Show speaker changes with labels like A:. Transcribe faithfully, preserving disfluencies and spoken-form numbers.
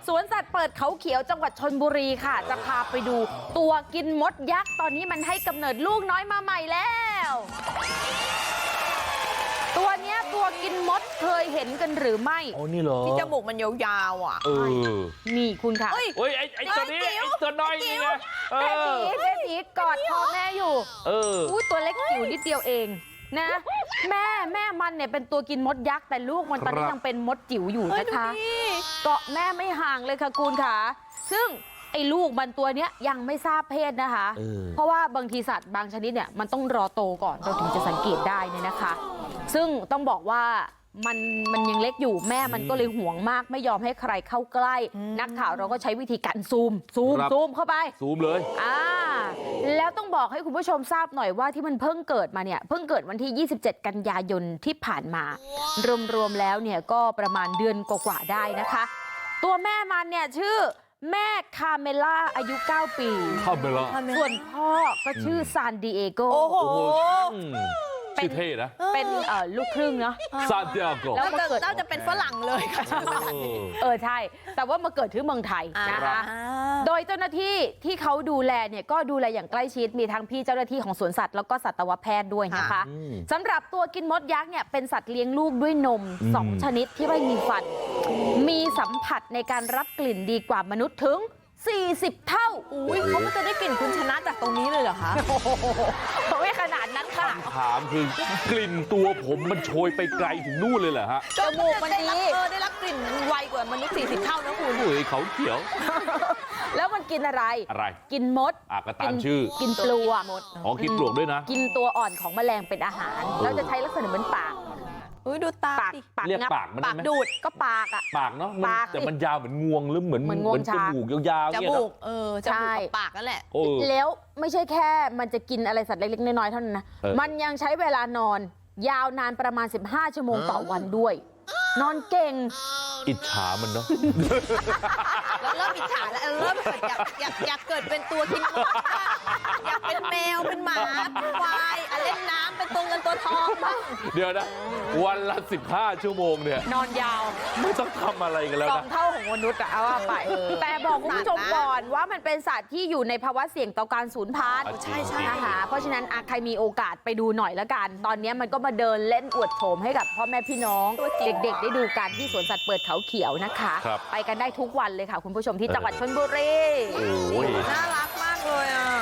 A: สวนสัตว์เปิดเขาเขียวจังหวัดชลบุรีค่ะจะพาไปดูตัวกินมดยักษ์ตอนนี้มันให้กำเนิดลูกน้อยมาใหม่แล้วตัวเนี้ยตัวกินมดเคยเห็นกันหรือไม่
B: โอ้นี่เหรอ
C: ที่จมูกมันยาวๆอ่ะ
B: เออ
A: นี่คุณค่ะ
B: เฮ้ยไอ้ไอ้ตัวนี้ไอ้ตัวน้อยนี่ไง
A: แม่ผีแม่ผีกอดพ่อแม่อยู่เอออุ้ยตัวเล็กจิ๋วนิดเดียวเองนะแม่แม่มันเนี่ยเป็นตัวกินมดยักษ์แต่ลูกมันตอนนี้ยังเป็นมดจิ๋วอยู่นะคะเกาะแม่ไม่ห่างเลยค่ะคุณค่ะซึ่งไอ้ลูกมันตัวเนี้ยยังไม่ทราบเพศนะคะเพราะว่าบางทีสัตว์บางชนิดเนี่ยมันต้องรอโตก่อนเราถึงจะสังเกตได้เนี่ยนะคะซึ่งต้องบอกว่ามันมันยังเล็กอยู่แม่มันก็เลยห่วงมากไม่ยอมให้ใครเข้าใกล้นักข่าวเราก็ใช้วิธีการซูมซูมซูมเข้าไป
B: ซูมเลย
A: อ่าแล้วต้องบอกให้คุณผู้ชมทราบหน่อยว่าที่มันเพิ่งเกิดมาเนี่ยเพิ่งเกิดวันที่ยี่สิบเจ็ดกันยายนที่ผ่านมารวมๆแล้วเนี่ยก็ประมาณเดือนกว่าๆได้นะคะตัวแม่มันเนี่ยชื่อแม่คาเมล่าอายุเก้าปี
B: คาเมล่า
A: ส่วนพ่อก็ชื่อซานดิเอโก
C: โอ้โห
B: ชื่อเท่นะ
A: เป็นลูกครึ่งเนาะ
B: ซานดิเอโก
C: แล้วมาเกิดน่าจะเป็นฝรั่งเลยค่ะ
A: เออใช่แต่ว่ามาเกิดที่เมืองไทยนะคะโดยเจ้าหน้าที่ที่เขาดูแลเนี่ยก็ดูแลอย่างใกล้ชิดมีทั้งพี่เจ้าหน้าที่ของสวนสัตว์แล้วก็สัตวแพทย์ด้วยนะคะสำหรับตัวกินมดยักษ์เนี่ยเป็นสัตว์เลี้ยงลูกด้วยนมสองชนิดที่ไม่มีฟันมีสัมผัสในการรับกลิ่นดีกว่ามนุษย์ถึงสี่สิบเท่า
C: อุ้ยเขาก็จะได้กลิ่นคุณชนะจากตรงนี้เลยเหรอคะ
A: ไม่ขนาดนั้นค่ะ
B: คำถามคือกลิ่นตัวผมมันโชยไปไกลถึงนู่นเลยเหรอฮะ
C: จมูกมันดีเออได้รับกลิ่นไวกว่ามนุษย์สี่สิบเท่านะคุณ
B: เฮ้ยเขาเขียว
A: แล้วมันกินอะไร
B: อะไร
A: กินมด
B: อ่ะก็ตามชื่อ
A: กินปลวก
B: อ๋อกินปลวกด้วยนะ
A: กินตัวอ่อนของแมลงเป็นอาหารแล้วจะใช้ลักษณะเหมือนปาก
C: อุ้ยดูตา
A: ปากปาก
B: เรียกปากมัน
A: ปากดูดก็ปากอ่ะ
B: ปากเนาะแต่มันยาวเหมือนงวงหรือเหมือนเหมือนจมูกยาวๆ
C: จมูกเออจมูกกับปากนั่นแหละ
A: แล้วไม่ใช่แค่มันจะกินอะไรสัตว์เล็กๆน้อยๆเท่านั้นนะมันยังใช้เวลานอนยาวนานประมาณสิบห้าชั่วโมงต่อวันด้วยนอนเก่ง
B: อิจฉามันเนาะ
C: เราเริ่มอิจฉาแล้วเริ่มเกิดอยากอยากอยากเกิดเป็นตัวกินมดอยากเป็นแมวเป็นหมาเป็นควายเล่นน้ำเป็นตัวเงินตัวทองบ้าง
B: เดี๋ยวนะวันละสิบห้าชั่วโมงเนี่ย
A: นอนยาว
B: ไม่ต้องทำอะไรกันแล้วนะ
A: สองเท่าของมนุษย์อะเอาว่าไปแต่บอกคุณผู้ชมก่อนว่ามันเป็นสัตว์ที่อยู่ในภาวะเสี่ยงต่อการสูญพันธุ์
C: ใช่ใช่
A: นะคะเพราะฉะนั้นใครมีโอกาสไปดูหน่อยละกันตอนนี้มันก็มาเดินเล่นอวดโฉมให้กับพ่อแม่พี่น้องเด็กๆได้ดูกันที่สวนสัตว์เปิดเขาเขียวนะคะไปกันได้ทุกวันเลยค่ะคุณผู้ชมที่จังหวัดชลบุรี
B: โอ้ย
C: น่ารักมากเลยอ่ะ